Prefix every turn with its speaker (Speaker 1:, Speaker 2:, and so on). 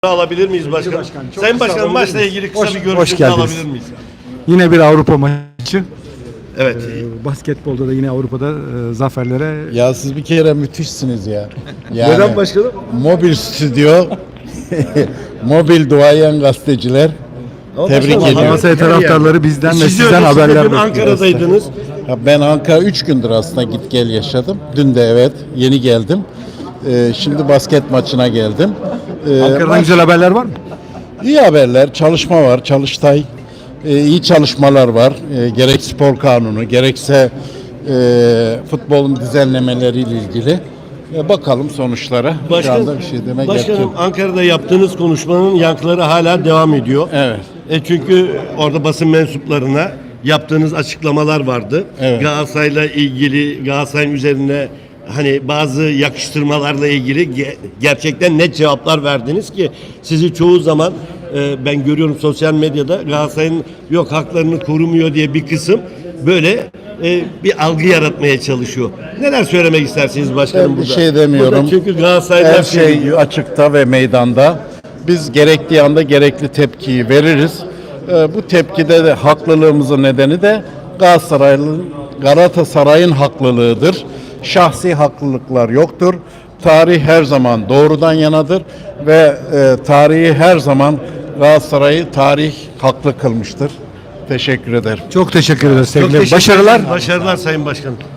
Speaker 1: Alabilir miyiz başkanım? Sayın Başkanım, maçla ilgili kısa bir görüşünüzü alabilir miyiz?
Speaker 2: Yine bir Avrupa maçı.
Speaker 1: Evet.
Speaker 2: Basketbolda da yine Avrupa'da zaferlere.
Speaker 3: Ya siz bir kere müthişsiniz ya. Yani,
Speaker 1: Neden başkanım?
Speaker 3: Mobil stüdyo, mobil duayen gazeteciler. Tebrik ediyorum.
Speaker 2: Galatasaray taraftarları bizden ve
Speaker 1: Sizi
Speaker 2: sizden haberler
Speaker 1: dün
Speaker 2: bekliyor.
Speaker 1: Ankara'daydınız.
Speaker 3: Ya ben Ankara 3 gündür aslında git gel yaşadım. Dün de evet yeni geldim. Şimdi basket maçına geldim.
Speaker 2: Ankara'dan güzel haberler var mı?
Speaker 3: İyi haberler, çalışma var, Çalıştay. İyi çalışmalar var. Gerek spor kanunu, gerekse futbolun düzenlemeleriyle ilgili. Bakalım sonuçlara. Şu anda bir şey demek
Speaker 1: Başkanım,
Speaker 3: yok.
Speaker 1: Ankara'da yaptığınız konuşmanın yankıları hala devam ediyor.
Speaker 3: Evet.
Speaker 1: Çünkü orada basın mensuplarına yaptığınız açıklamalar vardı.
Speaker 3: Evet.
Speaker 1: Galatasaray'la ilgili, Galatasaray'ın üzerine hani bazı yakıştırmalarla ilgili gerçekten net cevaplar verdiniz ki sizi çoğu zaman ben görüyorum sosyal medyada Galatasaray'ın yok haklarını korumuyor diye bir kısım böyle bir algı yaratmaya çalışıyor. Neler söylemek istersiniz başkanım
Speaker 3: Ben bir
Speaker 1: burada?
Speaker 3: şey demiyorum.
Speaker 1: Burada çünkü Galatasaray'dan
Speaker 3: Her şey açıkta ve meydanda. Biz gerektiği anda gerekli tepkiyi veririz. Bu tepkide de haklılığımızın nedeni de Galatasaray'ın haklılığıdır. Şahsi haklılıklar yoktur. Tarih her zaman doğrudan yanadır ve tarihi her zaman Galatasaray'ı tarih haklı kılmıştır. Teşekkür ederim.
Speaker 2: Çok teşekkür ederiz.
Speaker 1: Çok
Speaker 2: Sevgili
Speaker 1: teşekkür
Speaker 2: başarılar.
Speaker 1: ederim. Başarılar Sayın Başkanım.